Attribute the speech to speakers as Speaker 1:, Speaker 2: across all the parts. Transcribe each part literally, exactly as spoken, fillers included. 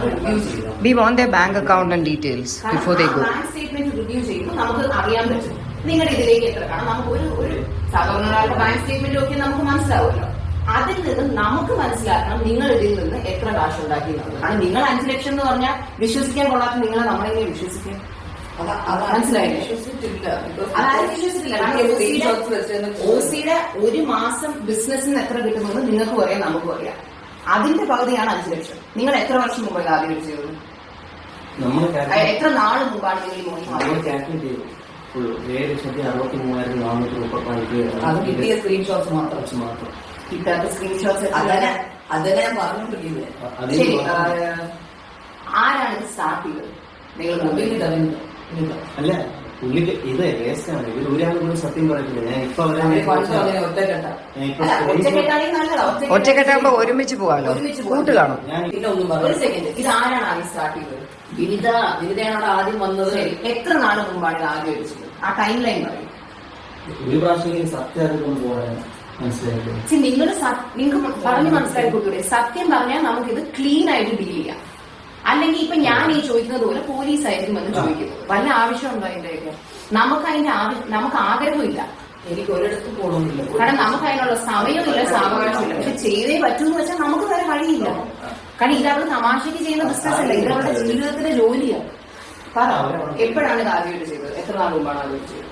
Speaker 1: നമുക്ക് റിവ്യൂ ചെയ്യും.
Speaker 2: We want their bank account and details before they go.
Speaker 1: Bank statement review ചെയ്യുമ്പോൾ നമുക്ക് അറിയാൻ പറ്റും നിങ്ങളുടെ ഇതിലേക്ക് എത്ര കാണാം. നമുക്ക് ഒരു ഒരു സാധാരണ ഒരാളുടെ ബാങ്ക് സ്റ്റേറ്റ്മെന്റ് ഒക്കെ നമുക്ക് മനസ്സിലാവുമല്ലോ. അതിൽ നിന്ന് നമുക്ക് മനസ്സിലാക്കണം നിങ്ങൾ ഇതിൽ നിന്ന് എത്ര കാശ് ഉണ്ടാക്കി എന്നുള്ളത്. കാരണം നിങ്ങൾ അഞ്ചു ലക്ഷം എന്ന് പറഞ്ഞാൽ വിശ്വസിക്കാൻ കൊള്ളാത്ത നിങ്ങളെ നമ്മളെങ്ങനെ വിശ്വസിക്കാൻ മനസ്സിലായില്ലേ? അതായത് വിശ്വസിച്ചില്ല. കാരണം ഓസിയുടെ ഒരു മാസം ബിസിനസ്സിന് എത്ര കിട്ടുമെന്ന് നിങ്ങൾക്കും അറിയാം നമുക്കും അറിയാം. അതിന്റെ പകുതിയാണ് അഞ്ചു ലക്ഷം. നിങ്ങൾ എത്ര വർഷം മുമ്പാണ് ആദ്യം ചെയ്തത്? എത്ര നാള് മുമ്പാണ് നിങ്ങൾ ഈ മോണിറ്റർ അത് കിട്ടിയ സ്ക്രീൻഷോട്ട്സ് മാത്രം മാത്രം കിട്ടാത്ത സ്ക്രീൻഷോട്ട്സ് അതന്നെ അതന്നെ ഞാൻ പറഞ്ഞോണ്ടിരിക്കുന്നത്. ശരി, ആരാണ് ഇത് സ്റ്റാർട്ട് ചെയ്തത്? നിങ്ങൾ മൊബൈലിൽ തരുന്നത്
Speaker 3: അല്ല പുള്ളിക്ക് ഇത് വേസ്റ്റാണ്. ഇത് ഒരാൾ കൂടി സത്യം പറയത്തില്ല. ഞാൻ ഇപ്പൊ
Speaker 2: ഒറ്റക്കെട്ടാകുമ്പോ ഒരുമിച്ച് പോവാലോ, കൂട്ട് കാണും.
Speaker 1: ഒരു സെക്കൻഡ്, ഇത് ആരാണ് ആദ്യം സ്റ്റാർട്ട് ചെയ്തത്? വിനിത വിനിതയാണ് ആദ്യം വന്നത്. എത്ര നാൾ മുമ്പാണ് ഇത് ആദ്യം വെച്ചത്? ആ ടൈം ലൈൻ പറയും.
Speaker 3: ഒരു പ്രാവശ്യം സത്യം അറിഞ്ഞുകൊണ്ട് പോകാൻ മനസ്സിലായില്ലേ?
Speaker 1: നിങ്ങൾ നിങ്ങൾക്ക് പറഞ്ഞു മനസ്സിലാക്കി കൊടുത്തൂടെ? സത്യം പറഞ്ഞാൽ നമുക്കിത് ക്ലീൻ ആയിട്ട് ഡീൽ ചെയ്യാം. അല്ലെങ്കിൽ ഇപ്പൊ ഞാൻ ഈ ചോദിക്കുന്നത് പോലെ പോലീസ് ആയിരിക്കും എന്ന് ചോദിക്കുന്നത്. വല്ല ആവശ്യമുണ്ടോ അതിന്റെയൊക്കെ? നമുക്ക് അതിന്റെ ആവശ്യം, നമുക്ക് ആഗ്രഹമില്ല. എനിക്ക് ഒരിടത്ത് പോകണമെന്നില്ല. കാരണം നമുക്ക് അതിനുള്ള സമയമില്ല, സാവകാശമില്ല. പക്ഷെ ചെയ്തേ പറ്റൂന്ന് വെച്ചാൽ നമുക്ക് വേറെ വഴിയില്ല. കാരണം ഇതവർ തമാശക്ക് ചെയ്യുന്ന ബിസിനസ് അല്ല, ഇത് അവരുടെ ജീവിതത്തിലെ ജോലിയാണ്. പറ, എപ്പോഴാണ് ഇത് ആദ്യമായിട്ട് ചെയ്തത്? എത്ര നാൾ മുമ്പാണ് ആദ്യമായിട്ട് ചെയ്തത്?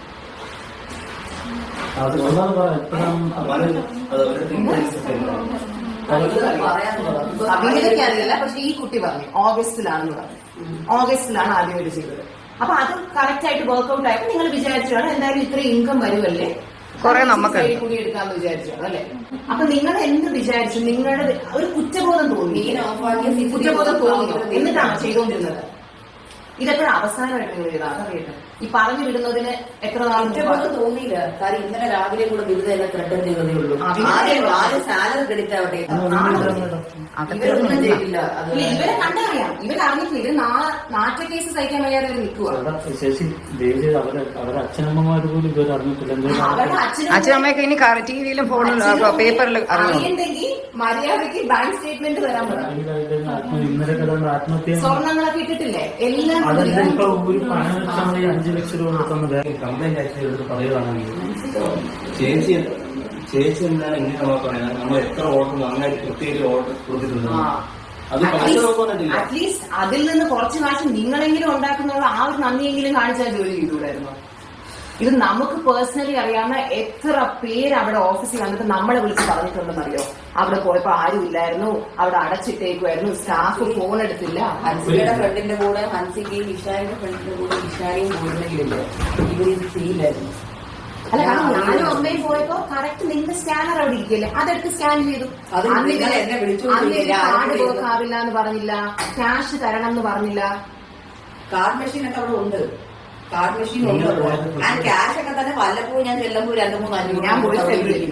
Speaker 1: അഭിനയൊക്കെ അറിയില്ല, പക്ഷെ ഈ കുട്ടി പറഞ്ഞു ഓഗസ്റ്റിലാണെന്ന് പറഞ്ഞു. ഓഗസ്റ്റിലാണ് ആദ്യമായിട്ട് ചെയ്തത്. അപ്പൊ അത് കറക്റ്റ് ആയിട്ട് വർക്ക്ഔട്ട് ആയപ്പോ നിങ്ങൾ വിചാരിച്ചാണ് എന്തായാലും ഇത്ര ഇൻകം വരുമല്ലേ, കുറെ നമുക്ക് കൂടി എടുക്കാന്ന് വിചാരിച്ചാണ് അല്ലെ? അപ്പൊ നിങ്ങൾ എന്ത് വിചാരിച്ചു? നിങ്ങളുടെ ഒരു കുറ്റബോധം തോന്നി, കുറ്റബോധം തോന്നിയോ? എന്നിട്ടാണ് ചെയ്തുകൊണ്ടിരുന്നത്. ഇതെപ്പോഴും അവസാനമായിട്ട് നിങ്ങൾ ചെയ്താൽ അതറിയട്ടെ. ഈ പറഞ്ഞു വിടുന്നതിന് എത്ര നാൾ തോന്നിയില്ല? കാര്യം ഇന്നലെ രാവിലെ കൂടെ വിരുദ്ധ എല്ലാം ത്രെഡ് ചെയ്തതേ ഉള്ളൂ. സാലറി ക്രെഡിറ്റ് ആവട്ടെ, ഇവരെ കണ്ടറിയാം. ഇവരെ അറിഞ്ഞിട്ടില്ല. ഇവര് നാറ്റ കേസ് സഹിക്കാൻ വയ്യാതെ നിൽക്കുക.
Speaker 3: അവരുടെ അച്ഛനമ്മമാര് പോലും ഇവർ അറിഞ്ഞിട്ടില്ല.
Speaker 2: അച്ഛനമ്മയൊക്കെ ഇനി ടി വിയിലും ഫോണിലും പേപ്പറിലും
Speaker 1: അറിയണ്ടെങ്കിൽ മര്യാദയ്ക്ക് ബാങ്ക് സ്റ്റേറ്റ്മെന്റ് തരാൻ പറ്റും. സ്വർണ്ണങ്ങളൊക്കെ ഇട്ടിട്ടില്ലേ? എല്ലാം
Speaker 3: അഞ്ചു ലക്ഷം രൂപ കംപ്ലൈന്റ് ആയിട്ട് പറയുകയാണെങ്കിൽ ചേച്ചി ചേച്ചി എന്താണ് ഇങ്ങനെ പറയുന്നത്? നമ്മൾ എത്ര ഓർഡർ നന്നായിട്ട് പ്രത്യേക ഓർഡർ കൊടുത്തിട്ടുണ്ട്. അത്
Speaker 1: അറ്റ്ലീസ്റ്റ് അതിൽ നിന്ന് കുറച്ച് കാശ് നിങ്ങളെങ്കിലും ഉണ്ടാക്കുന്നുള്ള ആ ഒരു നന്ദിയെങ്കിലും കാണിച്ചാൽ ജോലി ചെയ്തുകൂടായിരുന്നു. ഇത് നമുക്ക് പേഴ്സണലി അറിയാവുന്ന എത്ര പേര് അവിടെ ഓഫീസിൽ വന്നിട്ട് നമ്മളെ വിളിച്ച് പറഞ്ഞിട്ടുണ്ടെന്ന് അറിയോ? അവിടെ പോയപ്പോ ആരും ഇല്ലായിരുന്നു, അവിടെ അടച്ചിട്ടേക്കുമായിരുന്നു, സ്റ്റാഫ് ഫോൺ എടുത്തില്ല. ഹൻസിയുടെ ഫ്രണ്ടിന്റെ കൂടെ ഹൻസിക്കയും ഇഷാരിയുടെ ഫ്രണ്ടിന്റെ കൂടെ ഇഷാരിയും പോയിരുന്നെങ്കിലില്ല ഇവർ ഇത് ചെയ്യില്ലായിരുന്നു. അല്ല, കാരണം ഞാനും അമ്മയും പോയപ്പോ കറക്റ്റ് നിങ്ങളുടെ സ്കാനർ അവിടെ ഇരിക്കല്ലേ, അതെടുത്ത് സ്കാൻ ചെയ്തു. കാർഡ് വർക്ക് ആവില്ല എന്ന് പറഞ്ഞില്ല, ക്യാഷ് തരണം എന്ന് പറഞ്ഞില്ല. കാർഡ് മെഷീൻ ഒക്കെ അവിടെ ഉണ്ട്. കാർഡ് മെഷീൻ ഉണ്ട്. ഞാൻ ക്യാഷ് ഒക്കെ തന്നെ വല്ലപ്പോഴും ഞാൻ ചെല്ലുമ്പോൾ രണ്ടു മൂന്ന് അഞ്ചു ഞാൻ പോയി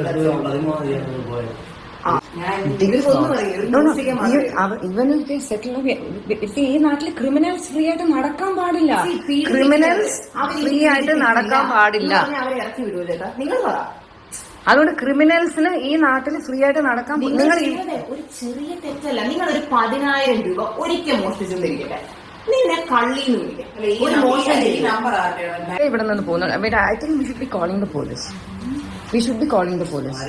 Speaker 2: ഈ നാട്ടില് ക്രിമിനൽസ് ഫ്രീ ആയിട്ട് നടക്കാൻ പാടില്ല. ക്രിമിനൽസ് ഫ്രീ ആയിട്ട് നടക്കാൻ പാടില്ല.
Speaker 1: അവരെ ഇറക്കി വിടുവല്ലേ? നിങ്ങൾ പറ.
Speaker 2: അതുകൊണ്ട് ക്രിമിനൽസിന് ഈ നാട്ടിൽ ഫ്രീ ആയിട്ട് നടക്കാൻ നിങ്ങൾ
Speaker 1: ഒരു ചെറിയ തെറ്റല്ല. നിങ്ങൾ ഒരു പതിനായിരം രൂപ ഒരിക്കൽ മോഷ്ടിച്ചെന്നിരിക്കട്ടെ, നിന്നെ കള്ളിന്ന് വിളിക്കാം.
Speaker 2: ഇവിടെ നിന്ന് പോകുന്നത്. I think we should be calling the police. We should be calling the police.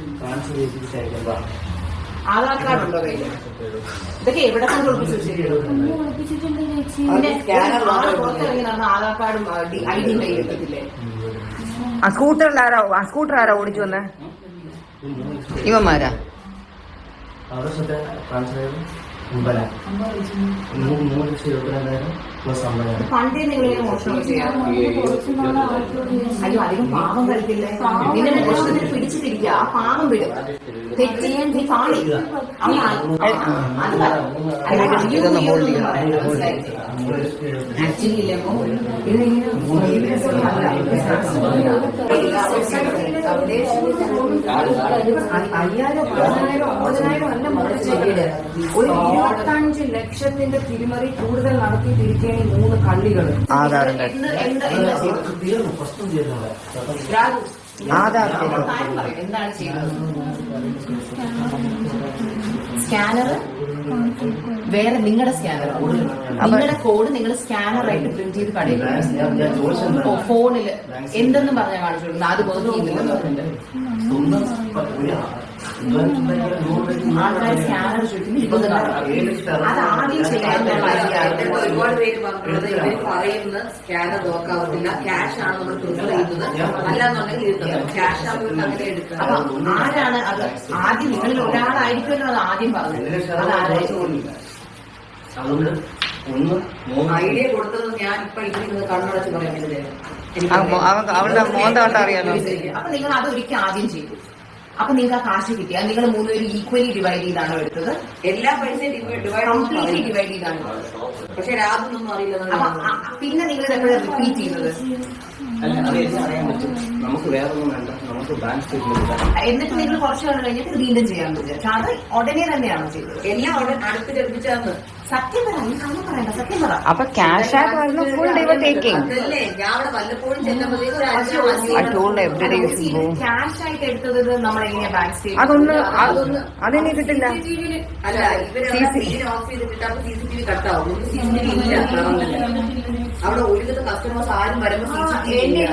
Speaker 1: Aadhaar card ഉണ്ടോ കയ്യിൽ? ഇതൊക്കെ എവിടെ കൊണ്ട് ഒളിപ്പിച്ചിട്ടുണ്ട്? പുറത്തിറങ്ങി നടന്ന ആധാർ കാർഡും ഐ ഡിയും കയ്യിൽ എടുക്കത്തില്ലേ?
Speaker 2: ആ സ്കൂട്ടറിൽ ആരാ ആ സ്കൂട്ടർ ആരാ ഓടിച്ചു വന്നേ? ഇവന്മാരാ?
Speaker 1: പണ്ടേ നിങ്ങളിങ്ങനെ മോഷണം ചെയ്യാം. അയ്യോ, അധികം പാവം കളിക്കില്ലേ? നിങ്ങളുടെ മോഷണത്തിന് പിടിച്ചിട്ടിരിക്കുക. ആ പാവം വിടും. തെറ്റ് ചെയ്യാൻ നീ കാണി. ആക്ച്വലി ഇല്ലപ്പോ അയ്യായിരം പതിനായിരം ഒമ്പതിനായിരം അല്ല മുറിച്ചിട്ട് ഒരു ഇരുപത്തഞ്ച് ലക്ഷത്തിന്റെ തിരിമറി കൂടുതൽ നടത്തിയിട്ടിരിക്കുകയാണ് ഈ മൂന്ന് കള്ളികൾ.
Speaker 2: ആധാറിന്റെ ആധാർ
Speaker 1: എന്താണ് ചെയ്യുന്നത്? സ്കാനർ വേറെ നിങ്ങളുടെ സ്കാനർ നിങ്ങളുടെ കോഡ് നിങ്ങൾ സ്കാനറായിട്ട് പ്രിന്റ് ചെയ്ത് കടയിൽ ഫോണില് എന്തെന്ന് പറഞ്ഞാൽ കാണിച്ചു കൊടുക്കുന്നത് അത് വർക്ക് ചെയ്യുന്നില്ലെന്ന് പറഞ്ഞിട്ട് ആൾക്കാർ സ്കാനർ ചോദിക്കുന്നു ഇരുപത് അത് ആദ്യം ചെയ്യാനുള്ള
Speaker 4: ഒരുപാട് പേര് പറഞ്ഞത് ഇവർ പറയുന്ന സ്കാനർ നോക്കാവത്തില്ല, ക്യാഷ് ആണ് നമ്മൾ പ്രിഫർ ചെയ്യുന്നത്, അല്ലാന്നുണ്ടെങ്കിൽ ക്യാഷ് ആവുമ്പോൾ അങ്ങനെ എടുക്കുക.
Speaker 1: അപ്പൊ ആരാണ് അത് ആദ്യം നിങ്ങളിൽ ഒരാളായിരിക്കുമല്ലോ അത് ആദ്യം പറഞ്ഞത്? അതാരായിരിക്കും?
Speaker 3: അതുകൊണ്ട് ഒന്ന്
Speaker 4: ഐഡിയ കൊടുത്തത് ഞാൻ ഇപ്പൊ ഇരിക്കുന്നത് കണ്ണടച്ച് പറയുന്നത്
Speaker 2: അവളുടെ മോന്ത കണ്ടറിയാലോ.
Speaker 1: അപ്പൊ നിങ്ങൾ അത് ഒരിക്കൽ ആദ്യം ചെയ്തു. അപ്പൊ നിങ്ങൾക്ക് ആ കാശ് കിട്ടിയ നിങ്ങൾ മൂന്നുപേരും ഈക്വലി ഡിവൈഡ് ചെയ്താണോ എടുത്തത്?
Speaker 4: എല്ലാ പൈസയും ഡിവൈഡ്
Speaker 1: കംപ്ലീറ്റ്ലി ഡിവൈഡ് ചെയ്താണോ?
Speaker 4: പക്ഷെ രാതൊന്നും അറിയില്ല.
Speaker 1: അപ്പൊ പിന്നെ നിങ്ങൾ എപ്പോഴാണ് റിപ്പീറ്റ് ചെയ്യുന്നത്?
Speaker 3: അല്ല അത് എല്ലാം അറിയാൻ പറ്റും. നമുക്ക് വേറെ ഒന്നും വേണ്ട, നമുക്ക് ബാങ്ക് സ്റ്റേറ്റ്മെന്റ്.
Speaker 1: എന്നിട്ട് നിങ്ങൾ കുറച്ച് നാൾ കഴിഞ്ഞിട്ട് വീണ്ടും ചെയ്യാൻ പറ്റും. അത് ഉടനെ തന്നെയാണോ ചെയ്തത്?
Speaker 4: എല്ലാം അവിടെ അടുത്ത് ലഭിച്ചാന്ന്
Speaker 1: സത്യം പറ, നീ കണ്ണം പറയണ്ട, സത്യം പറ.
Speaker 2: അപ്പൊ ക്യാഷ് ആയിട്ട് വരുന്ന ഫുൾ ഡേ ടേക്കിംഗ്.
Speaker 4: അതല്ലേ ഞാൻ അവിടെ വല്ലപ്പോഴും ചെല്ലുമ്പോഴേക്കും ഒരു ആഴ്ച
Speaker 1: ക്യാഷ് ആയിട്ട് എടുത്തത് നമ്മൾ എങ്ങനെയാ ബാങ്ക് സ്റ്റേറ്റ്മെന്റ്?
Speaker 2: അതൊന്ന് അതൊന്ന് അതെനിക്ക് കിട്ടില്ല.
Speaker 4: അല്ല ഇവര് സീൻ ഓഫ് ചെയ്തിട്ട് അപ്പൊ സി സി ടി വി കട്ടാവും. സി സി ടി വി ഇല്ല അവിടെ. ഒരുവിധ കസ്റ്റമേഴ്സ് ആരും വരുമ്പോ സി സി ടി വി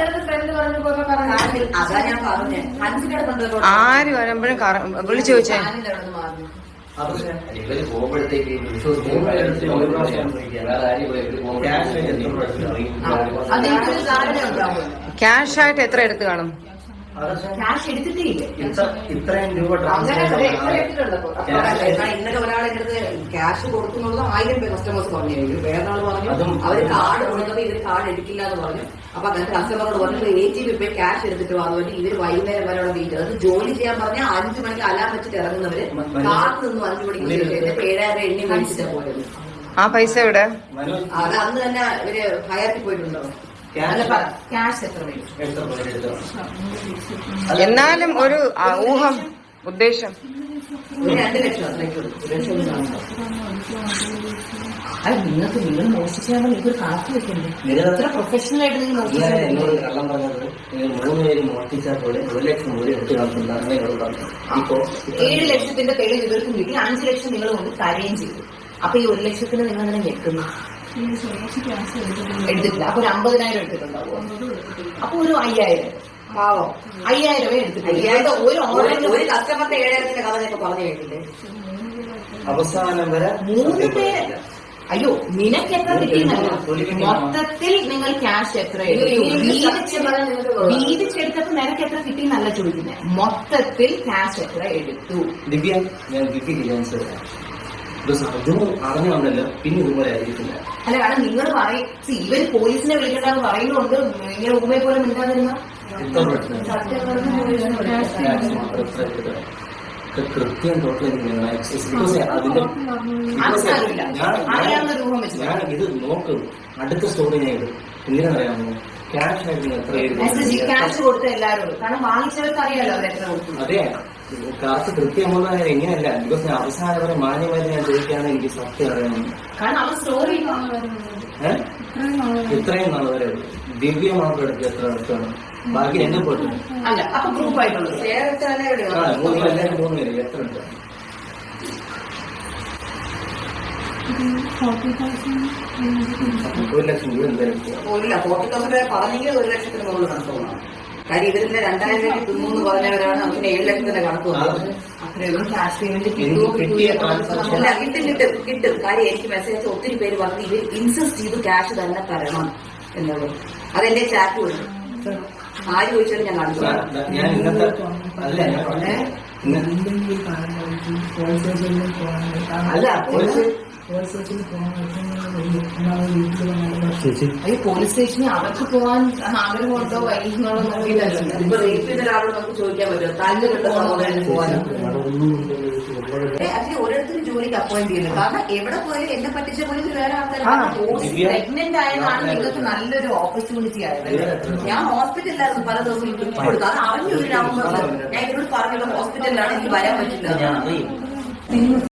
Speaker 4: അതാ ഞാൻ പറഞ്ഞേ. അഞ്ചിനോട് കൊണ്ടുപോയി
Speaker 2: ആര് വരുമ്പോഴും വിളിച്ചു ചോദിച്ചേ.
Speaker 3: പക്ഷെ ഇവര് പോകുമ്പോഴത്തേക്ക് ഒരു പ്രാവശ്യം വേറെ ആരും ക്യാഷ് എത്ര പ്രാവശ്യം
Speaker 1: അതെനിക്കൊരു ധാരണ ഉണ്ടാവും.
Speaker 2: ക്യാഷ് ആയിട്ട് എത്ര എടുത്ത് കാണും?
Speaker 1: ക്യാഷ് എടുത്തിട്ടേ ഇല്ല.
Speaker 3: ഇത്രയും രൂപ
Speaker 1: അങ്ങനെ
Speaker 3: ട്രാൻസ്ഫർ
Speaker 4: ഇന്നലെ ഒരാളെ അടുത്ത് ക്യാഷ് കൊടുക്കുന്നുള്ളത് ആയിരം പേര് കസ്റ്റമേഴ്സ് പറഞ്ഞു. വേറൊരാൾ പറഞ്ഞു അവര് കാർഡ് കൊടുത്തപ്പോ ഇവര് കാർഡ് എടുക്കില്ല എന്ന് പറഞ്ഞു. അപ്പൊ അങ്ങനത്തെ കസ്റ്റമറോട് പറഞ്ഞു എ ജി ബി പോയി ക്യാഷ് എടുത്തിട്ട് വന്നു. ഇവര് വൈകുന്നേരം വരെ അവിടെ വെയിറ്റ് ചെയ്ത് ജോലി ചെയ്യാൻ പറഞ്ഞാൽ അഞ്ചു മണിക്ക് അലാം വെച്ചിട്ട് ഇറങ്ങുന്നവര് കാർഡ് നിന്നും അഞ്ചു മണിക്ക് ഏഴായിരം എണ്ണി മേടിച്ചിട്ടാ പോയത്.
Speaker 2: ആ പൈസ എവിടെ?
Speaker 4: അത് അന്ന് തന്നെ ഇവര് ഹയർത്തി പോയിട്ടുണ്ടോ?
Speaker 1: ക്യാഷ് എത്ര വരും?
Speaker 2: എന്നാലും ഒരു ആ, ഊഹം ഉദ്ദേശം
Speaker 4: ഒരു രണ്ട് ലക്ഷം അത്രയ്ക്ക് കൊടുക്കും. ഒരു ലക്ഷം ഒന്നും കാണും.
Speaker 1: അത് നിങ്ങൾക്ക് നിങ്ങൾ മോഷിച്ചാൽ നിങ്ങൾക്ക് കണക്ക് വെക്കണ്ടേ? എത്ര പ്രൊഫഷണൽ ആയിട്ട് നിങ്ങൾ
Speaker 3: എന്നോട്
Speaker 1: മോഷിച്ചു?
Speaker 3: കള്ളം പറഞ്ഞത് നിങ്ങൾ മൂന്ന് പേര് മോഷ്ടിച്ചാൽ പോലെ ഒരു ലക്ഷം കൂടി എടുത്തു കാണിക്കുന്നതാണ് എന്നോട് പറഞ്ഞത്. ഇപ്പോ
Speaker 1: ഏഴ് ലക്ഷത്തിന്റെ തെളിവ് ഇവർക്കും കിട്ടി, അഞ്ചു ലക്ഷം നിങ്ങൾ കൊണ്ട് തരുകയും ചെയ്തു. അപ്പൊ ഈ ഒരു ലക്ഷത്തിന് നിങ്ങൾ അങ്ങനെ ഞെക്കുന്നു എടുത്തിട്ടില്ല. അപ്പൊ ഒരു അമ്പതിനായിരം എടുത്തിട്ടുണ്ടാവോ? അപ്പൊ ഒരു അയ്യായിരം
Speaker 4: പാവം
Speaker 1: അയ്യായിരമേ എടുത്തിട്ടില്ല.
Speaker 4: അയ്യായിരം
Speaker 1: ഒരു ഓർഡർ
Speaker 4: ഒരു കസ്റ്റമറിന്റെ ഏഴായിരത്തിന്റെ കഥ ഞാൻ പറഞ്ഞു കേട്ടില്ലേ?
Speaker 3: അവസാനം വരെ
Speaker 1: മൂന്ന് പേര്. അയ്യോ നിനക്ക് എത്ര കിട്ടിയെന്നല്ല, മൊത്തത്തിൽ നിങ്ങൾ ക്യാഷ് എത്ര വീതിച്ചെടുത്തപ്പോ നിനക്ക് എത്ര കിട്ടിയെന്നല്ല ചോദിക്കുന്നത്, മൊത്തത്തിൽ ക്യാഷ് എത്ര എടുത്തു?
Speaker 3: ദിവ്യ ഞാൻ കിട്ടിയില്ല ആൻസർ. അതും അറിഞ്ഞുകൊണ്ടല്ലോ പിന്നെ ഇതുപോലെ ആയിരിക്കില്ല.
Speaker 1: അല്ല കാരണം നിങ്ങൾ പറയും ഇവര് പോലീസിനെ വിളിക്കണ്ടെന്ന് പറയുന്നുണ്ട്. ഇങ്ങനെ ഉമ്മയെ പോലെ മിണ്ടാതിരുന്ന
Speaker 3: എത്ര പ്രശ്നം കൃത്യം ടോട്ടൽ അതിന്റെ
Speaker 1: അറിയാവുന്ന രൂപം വെച്ച്
Speaker 3: ഞാൻ ഇത് നോക്കും. അടുത്ത സ്റ്റോറി ഞാൻ ഇടും. എന്തിനാണെന്നറിയാമോ? ക്യാഷ് ആയിട്ട് എത്ര
Speaker 1: മെസ്സേജ് ക്യാഷ് കൊടുത്ത എല്ലാവരും, കാരണം വാങ്ങിച്ചവർക്ക് അറിയാലോ അവർ എത്ര കൊടുത്തു.
Speaker 3: അതെ കാശ് കൃത്യമുള്ള എങ്ങനെയല്ല. ബിക്കോസ് അവസാനം വരെ മാന്യമായിട്ട് ഞാൻ ചോദിക്കുകയാണെങ്കിൽ എനിക്ക് സത്യം അറിയണം.
Speaker 1: കാരണം അവർ സ്റ്റോറി
Speaker 3: ഏഹ് ഇത്രയും നാൾ വരെ ദിവ്യ മാത്രം എടുത്ത് എത്ര അടുത്താണ്, ബാക്കി എന്നെ പോയിട്ട്
Speaker 1: അല്ല. അപ്പൊ ഗ്രൂപ്പ് ആയിട്ടുള്ളത്
Speaker 3: ആ മൂന്ന് എല്ലാവരും മൂന്ന് പേര് എത്ര എടുത്താണ്? ഒരു ലക്ഷം രൂപ എന്തായാലും
Speaker 4: ഇല്ല ഫോർട്ടി തൗസൻഡ് പറഞ്ഞെങ്കിൽ ഒരു ലക്ഷത്തിന് മുകളിൽ കണക്ക് പോകണം. കാര്യം ഇതിന്റെ രണ്ടായിരം രൂപ തിന്നൂന്ന് പറഞ്ഞവരാണ് നമുക്ക് ഏഴ് ലക്ഷത്തിന്റെ കണക്ക് വന്നത്.
Speaker 1: അത്രയും ക്യാഷ് പേയ്മെന്റ്
Speaker 3: എനിക്ക് കിട്ടിയ ട്രാൻസാക്ഷൻ
Speaker 4: അല്ല കിട്ടും കിട്ടും കിട്ടും. കാര്യം എനിക്ക് മെസ്സേജ് ഒത്തിരി പേര് പറഞ്ഞ് ഇവർ ഇൻസിസ്റ്റ് ചെയ്ത് ക്യാഷ് തന്നെ തരണം എന്നുള്ളത്. അതെന്റെ ചാറ്റ് വരും. ആര് ചോദിച്ചാലും ഞാൻ കാണിച്ചു.
Speaker 3: ഞാൻ ഇന്നത്തെ അല്ല ഞാൻ പറഞ്ഞേ
Speaker 1: അല്ല ഈ പോലീസ് സ്റ്റേഷനിൽ അവർക്ക് പോകാൻ ആഗ്രഹമുണ്ടോ വൈകുന്നോളോ നോക്കിയിട്ടല്ലോ.
Speaker 4: ഇപ്പൊ റേപ്പ് ചെയ്ത ഒരാളോട് നമുക്ക് ചോദിക്കാൻ പറ്റുമോ താല്പര്യപ്പെട്ട സഹോദരന് പോകാനോ? അതിന് ഓരോരുത്തരും ജോലിക്ക് അപ്പോയിന്റ് ചെയ്യുന്നു. കാരണം എവിടെ പോയാലും എന്നെ പറ്റിച്ച പോലും വേറെ ആൾക്കാർ
Speaker 1: പ്രഗ്നന്റ് ആയതാണ് നിങ്ങൾക്ക് നല്ലൊരു ഓപ്പർച്യൂണിറ്റി ആയത്.
Speaker 4: ഞാൻ ഹോസ്പിറ്റലിലായിരുന്നു പല ദിവസവും ട്രിപ്പ് കൊടുത്തു. അത് അറിഞ്ഞു ഒരു നവംബറിൽ ഞാൻ ഇവരോട് പറഞ്ഞല്ലോ ഹോസ്പിറ്റലിലാണ് എനിക്ക് വരാൻ പറ്റില്ല.